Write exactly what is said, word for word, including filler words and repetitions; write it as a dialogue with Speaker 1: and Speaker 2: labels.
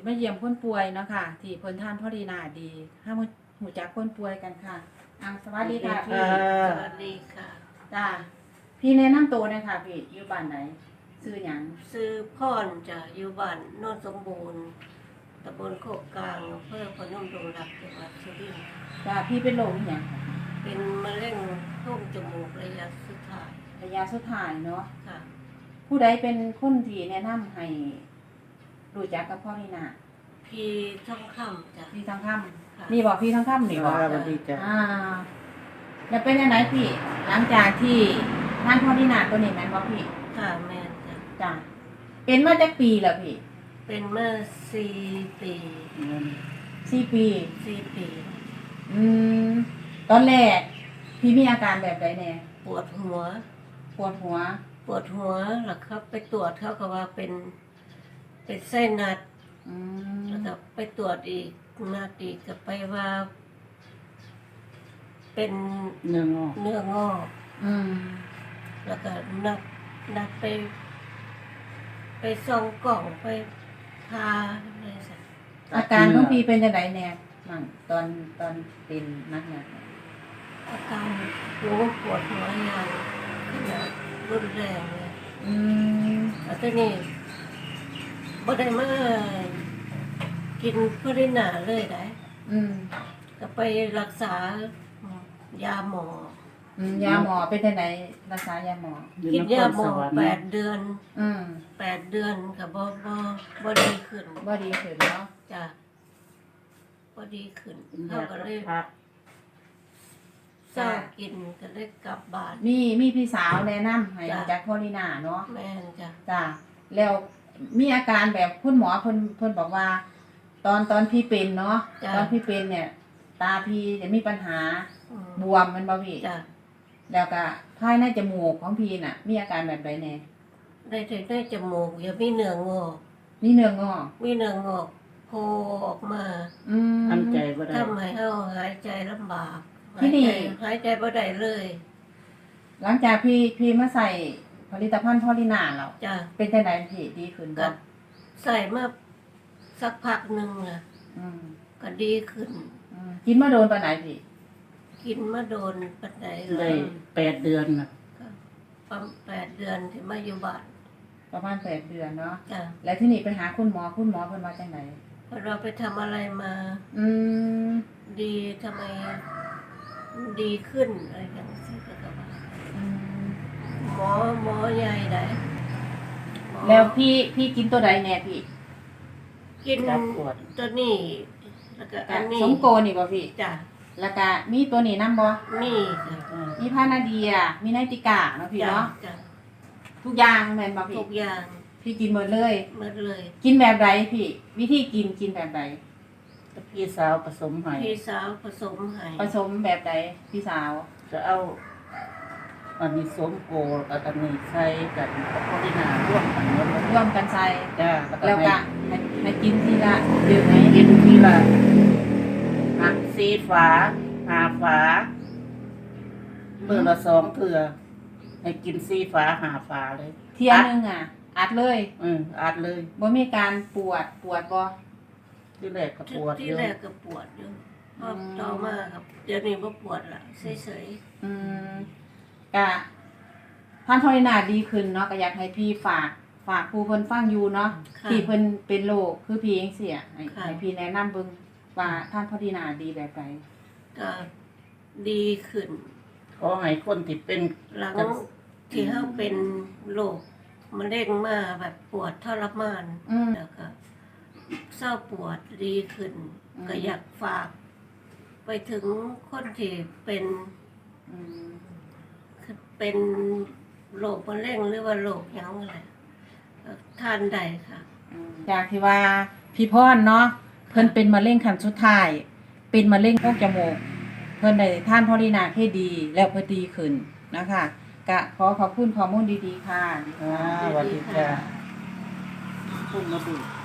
Speaker 1: มาเยี่ยมคนป่วยเนาะค่ะที่เพิ่นท่านพ่อดีนาดีห้ามหูจักคนป่วยกันค่ะอ่าสวัสดีค่ะพี่
Speaker 2: สวัสดีค่ะ
Speaker 1: จ้าพี่แนะนำตัวหน่อยค่ะพี่อยู่บ้านไหนชื่อหยัง
Speaker 2: ซื้อพรจะอยู่บ้านโนนสมบูรณ์ตำบลโคกกลางอำเภอพนมดงรักจังหวัดสุรินทร์
Speaker 1: จ้าพี่เป็นโรคอิหยัง
Speaker 2: เป็นมะเร็งโพรงจมูกระยะสุดท้าย
Speaker 1: ระยะสุดท้ายเนาะ
Speaker 2: ค่ะ
Speaker 1: ผู้ใดเป็นคนที่แนะนำให้รู้จักกับพ่อดีนา
Speaker 2: พี่ท่องคำจ้ะ
Speaker 1: พี่ทองค
Speaker 2: ค่ะ
Speaker 1: ำนี่บอกพี่ทองคำนี่บอก
Speaker 3: สวัสดีจ้ะ
Speaker 1: อ่าแล้วเป็นยังไงพี่ หลังจากที่ท่านพ่อดีนาตัวนี้แม่นบ่พี่
Speaker 2: ค่ะแม่นจ้ะ
Speaker 1: จ้าเป็นมาจากปีแล้วพี่
Speaker 2: เป็นเมื่อสี่ปี
Speaker 1: สี่ปี
Speaker 2: สี่ปี
Speaker 1: อืมตอนแรก พี่มีอาการแบบใดแน่
Speaker 2: ปวดหัว
Speaker 1: ปวดหัว
Speaker 2: ปวดหัวแล้วครับไปตรวจเขาก็ว่าเป็น เป็นไส้นัด
Speaker 1: อืม
Speaker 2: แล้วก็ไปตรวจอีกนัดอีกก็ไปว่า เป็น
Speaker 3: เนื้องอก
Speaker 2: เนื้องอก
Speaker 1: อืม
Speaker 2: แล้วก็นัดนัดไป ไปส่องกล่องไปพาอะไรสัก
Speaker 1: อาการของพี่เป็นจังไดแน่มั่งตอนตอนเป็นนักเนี่ย
Speaker 2: อาการหัวปวดหัวอย่างขนาดรุนแรงเลย
Speaker 1: อืม
Speaker 2: แล้วทีนี้บ่ได้มากินพรินาเลยได้
Speaker 1: อืม
Speaker 2: ก็ไปรักษายาหมอ
Speaker 1: อืมยาหมอเป็นจังไดรักษายาหมอ
Speaker 3: อยู่
Speaker 2: กิน
Speaker 3: นค
Speaker 2: ยาร หม
Speaker 3: ส
Speaker 2: อ
Speaker 3: วรรค์
Speaker 2: แปดเดือน
Speaker 1: อืม
Speaker 2: แปดเดือนก็บ่บ่บ่ดีขึ้น
Speaker 1: บ่ดีขึ้นเนาะ
Speaker 2: จ้ะบ่ดีขึ้น
Speaker 3: เป็น
Speaker 2: เขา
Speaker 3: ยา
Speaker 2: ก็
Speaker 3: กับ
Speaker 2: เลย
Speaker 3: พัก
Speaker 2: เศร้ากินก็เลยกลับบ้าน
Speaker 1: มีมีพี่สาวแนะนำให้
Speaker 2: จ้ะ
Speaker 1: จากโพลินาเนาะ
Speaker 2: แม่นจ้ะ
Speaker 1: จ้ะแล้วมีอาการแบบคุณหมอเพิ่นเพิ่นบอกว่า ตอนตอนพี่เป็นเนาะ
Speaker 2: จ้ะ
Speaker 1: ตอนพี่เป็นเนี่ย ตาพี่จะมีปัญหา
Speaker 2: อืม
Speaker 1: บวมแมันบ่พี่
Speaker 2: จ้ะ
Speaker 1: แล้วก็ภายในจมูกของพี่น่ะ มีอาการแบบใดแน่
Speaker 2: ได้ถึงได้จมูกอย่ามีเนื้องอก
Speaker 1: มีเนื้องอก
Speaker 2: มีเนื้องอกโผล่ออกมา
Speaker 1: อืม
Speaker 3: ทำใจบ่ได้
Speaker 2: ทำให้เฮาหายใจลำบาก
Speaker 1: ที่นี่
Speaker 2: หายใจหายใจบ่ได้เลย
Speaker 1: หลังจากพี่พี่มาใส่ผลิตภัณฑ์พอลินาแล้ว
Speaker 2: จ้ะ
Speaker 1: เป็นจังไดพี่ดีขึ้น
Speaker 2: ก็
Speaker 1: บ่
Speaker 2: ใส่มาสักพักหนึงน่ะ
Speaker 1: อืม
Speaker 2: ก็ดีขึ้น
Speaker 1: อืมกินมาโดนปานไหนพี่
Speaker 2: กินมาโดนปันได
Speaker 3: ได้แปดเดือนน่ะ
Speaker 2: ก็ประมาณแปดเดือนที่มาอยู่บ้าน
Speaker 1: ประมาณแปดเดือนเนาะ
Speaker 2: จ้ะ
Speaker 1: แล้วที่นี่ไปหาคุณหมอคุณหมอเพิ่นว่าจังได
Speaker 2: พอเราไปทำอะไรมา
Speaker 1: อืม
Speaker 2: ดีทำไมดีขึ้นอะไรอย่างนี้ก็ก็ว่า
Speaker 1: อืม
Speaker 2: หมอหมอใหญ่ได้หมอ
Speaker 1: แล้วพี่พี่กินตัวใดแน่พี่
Speaker 2: กิน
Speaker 3: จับปวด
Speaker 2: ตัวนี้แล้วก็อันนี้
Speaker 1: สมโกนี่บ่พี่
Speaker 2: จ้ะ
Speaker 1: แล้วก็มีตัวนี้นำบ่
Speaker 2: นี่จ้ะ
Speaker 3: อ่า
Speaker 1: มีพานาเดีย มีไนติกาเนาะพี่
Speaker 2: จ้ะ
Speaker 1: เนาะ
Speaker 2: จ้ะ
Speaker 1: ทุกอย่างแม่นบ่พี่
Speaker 2: ทุกอย่าง
Speaker 1: พี่กินหมดเลย
Speaker 2: หมดเลย
Speaker 1: กินแบบใดพี่ วิธีกินกินแบบใด
Speaker 3: แล้วพี่สาวผสมให้
Speaker 2: พี่สาวผสมให้
Speaker 1: ผสมแบบใดพี่สาว
Speaker 3: จะเอาอันนี้สมโกกับอันนี้ใส่กันกับพอดีนาร่วมกันหมดเลย
Speaker 1: ร่วมกันใส่
Speaker 3: จ้า
Speaker 1: แล้วก็ให้ให้กินทีละดื่มไหม
Speaker 3: ให้กินทีละหักซีฝาหาฝาเมื่อละสองเถื่อให้กินซีฝาหาฝาเลย
Speaker 1: เที่ยหนึงอ่ะ อัดเลย
Speaker 3: อืมอัดเลย
Speaker 1: บ่มีการปวดปวดบ่
Speaker 3: ที่แรกก็ปวด
Speaker 2: ที่
Speaker 3: อยู่
Speaker 2: แรกก็ปวดอยู่พอ
Speaker 1: อืม
Speaker 2: ต่อมาครับ เดี๋ยวนี้บ่ปวดละเฉย
Speaker 1: อืมก็ท่านพอลินาดีขึ้นเนาะก็อยากให้พี่ฝาก ฝากผู้เพิ่นฟังอยู่เนาะ
Speaker 2: ๆค่ะ
Speaker 1: ที่เพิ่นเป็นโรคคือพี่เองเสียให้
Speaker 2: ค่ะ
Speaker 1: ให้พี่แนะนำเบิ่งว่าท่านพอลินาดีแบบใด
Speaker 2: ก็ดีขึ้น
Speaker 3: ขอให้คนที่เป็น
Speaker 2: หลังที่เขาเป็นโรคมะเร็งมาแบบปวดทรมาน
Speaker 1: อืม
Speaker 2: แล้วก็เศร้าปวดดีขึ้น
Speaker 1: อืม
Speaker 2: ก็อยากฝาก ไปถึงคนที่เป็น
Speaker 1: อืม
Speaker 2: เป็นโรคมะเร็งหรือว่าโรคหยังอะไรทานได้ค่ะ
Speaker 1: อืมจากที่ว่าพี่พรเนาะเพิ่นเป็นมะเร็งขั้นสุดท้าย เป็นมะเร็งโพรงจมูกเพิ่นได้ท่านพอลินาให้ดี แล้วเพิ่นดีขึ้นนะคะก็ขอขอบคุณข้อมูลดีๆค่ะ
Speaker 3: อ่าสวัสดีจ้าพุ่งมาดู